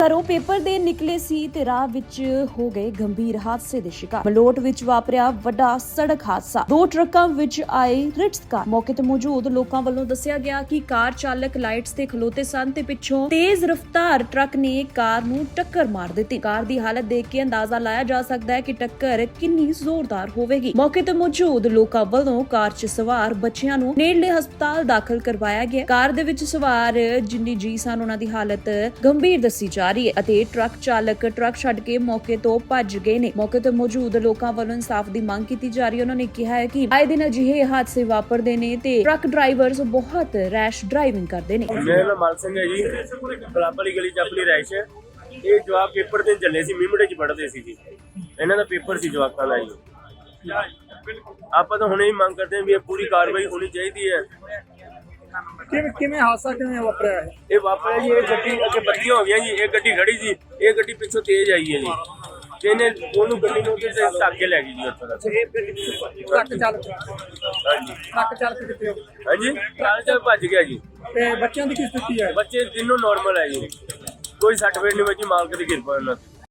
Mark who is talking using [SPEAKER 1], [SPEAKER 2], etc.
[SPEAKER 1] ਘਰੋਂ ਪੇਪਰ ਦੇ ਨਿਕਲੇ ਸੀ ਤੇ ਰਾਹ ਵਿੱਚ ਹੋ ਗਏ ਗੰਭੀਰ ਹਾਦਸੇ ਦੇ ਸ਼ਿਕਾਰ। ਮਲੋਟ ਵਿੱਚ ਵਾਪਰਿਆ ਵੱਡਾ ਸੜਕ ਹਾਦਸਾ। ਦੋ ਟਰੱਕਾਂ ਵਿੱਚ ਆਏ ਰਿਟਸ ਕਾਰ। ਮੌਕੇ ਤੇ ਮੌਜੂਦ ਲੋਕਾਂ ਵੱਲੋਂ ਦੱਸਿਆ ਗਿਆ ਕਿ ਕਾਰ ਚਾਲਕ ਲਾਈਟਸ ਤੇ ਖਲੋਤੇ ਸਨ ਤੇ ਪਿੱਛੋਂ ਤੇਜ਼ ਰਫ਼ਤਾਰ ਟਰੱਕ ਨੇ ਕਾਰ ਨੂੰ ਟੱਕਰ ਮਾਰ ਦਿੱਤੀ। ਕਾਰ ਦੀ ਹਾਲਤ ਦੇਖ ਕੇ ਅੰਦਾਜ਼ਾ ਲਾਇਆ ਜਾ ਸਕਦਾ ਹੈ ਕਿ ਟੱਕਰ ਕਿੰਨੀ ਜ਼ੋਰਦਾਰ ਹੋਵੇਗੀ। ਮੌਕੇ ਤੇ ਮੌਜੂਦ ਲੋਕਾਂ ਵੱਲੋਂ ਕਾਰ 'ਚ ਸਵਾਰ ਬੱਚਿਆਂ ਨੂੰ ਨੇੜਲੇ ਹਸਪਤਾਲ ਦਾਖਲ ਕਰਵਾਇਆ ਗਿਆ। ਕਾਰ ਦੇ ਵਿੱਚ ਸਵਾਰ ਜਿੰਨੀ ਜੀ ਸਨ ਉਹਨਾਂ ਦੀ ਹਾਲਤ ਗੰਭੀਰ ਦੱਸੀ ਜਾ ਰਹੀ ਹੈ ਅਤੇ ਟਰੱਕ ਚਾਲਕ ਟਰੱਕ ਛੱਡ ਕੇ ਮੌਕੇ ਤੋਂ ਭੱਜ ਗਏ ਨੇ। ਮੌਕੇ ਤੇ ਮੌਜੂਦ ਲੋਕਾਂ ਵੱਲੋਂ ਇਨਸਾਫ ਦੀ ਮੰਗ ਕੀਤੀ ਜਾ ਰਹੀ ਹੈ। ਉਹਨਾਂ ਨੇ ਕਿਹਾ ਹੈ ਕਿ ਆਏ ਦਿਨ ਅਜਿਹੇ ਹਾਦਸੇ ਵਾਪਰਦੇ ਨੇ ਤੇ ਟਰੱਕ ਡਰਾਈਵਰਸ ਬਹੁਤ ਰੈਸ਼ ਡਰਾਈਵਿੰਗ ਕਰਦੇ ਨੇ।
[SPEAKER 2] ਮੇਰਾ ਨਾਮ ਮਾਲ ਸਿੰਘ ਹੈ ਜੀ, ਕਲੱਬ ਵਾਲੀ ਗਲੀ 'ਚ ਆਪਣੀ ਰਾਇਸ਼ ਹੈ। ਇਹ ਜਵਾਕ ਪੇਪਰ ਦੇਣ ਚੱਲੇ ਸੀ, ਮਿਮੜੇ 'ਚ ਪੜ੍ਹਦੇ ਸੀ ਜੀ। ਇਹਨਾਂ ਦਾ ਪੇਪਰ ਸੀ ਜਵਾਕਾਂ ਦਾ ਜੀ। ਆਪਾਂ ਤਾਂ ਹੁਣੇ ਹੀ ਮੰਗ ਕਰਦੇ ਹਾਂ ਵੀ ਇਹ ਪੂਰੀ ਕਾਰਵਾਈ ਹੋਣੀ ਚਾਹੀਦੀ ਹੈ।
[SPEAKER 3] ਕਿਵੇਂ ਹਾਦਸਾ ਕਿਵੇਂ ਵਾਪਰਿਆ ਹੈ?
[SPEAKER 2] ਇਹ ਵਾਪਰਿਆ ਜੀ, ਇਹ ਗੱਡੀ ਅੱਗੇ ਬੱਤੀਆਂ ਹੋ ਗਈਆਂ ਜੀ, ਇਹ ਗੱਡੀ ਖੜੀ ਸੀ, ਇਹ ਗੱਡੀ ਪਿੱਛੋਂ ਤੇਜ਼ ਆਈ ਹੈ ਜੀ ਤੇ ਇਹਨੇ ਉਹਨੂੰ ਗੱਡੀ ਨੂੰ ਉੱਤੇ ਧੱਕ ਕੇ ਲੈ ਗਈ ਜੀ ਉੱਥੋਂ ਤੱਕ।
[SPEAKER 3] ਟਰੱਕ ਚਾਲਕ
[SPEAKER 2] ਹਾਂਜੀ
[SPEAKER 3] ਕਿੱਥੇ ਹੋ?
[SPEAKER 2] ਹਾਂਜੀ, ਟਰੱਕ ਚਾਲਕ ਭੱਜ ਗਿਆ ਜੀ।
[SPEAKER 3] ਤੇ ਬੱਚਿਆਂ ਦੀ ਕੀ ਸਥਿਤੀ ਹੈ?
[SPEAKER 2] ਬੱਚੇ ਤਿੰਨੋਂ ਨਾਰਮਲ ਹੈ ਜੀ, ਕੋਈ ਸੱਟ ਫੇਟ ਨਹੀਂ ਵੱਜੀ, ਮਾਲਕ ਦੀ ਕਿਰਪਾ ਨਾਲ।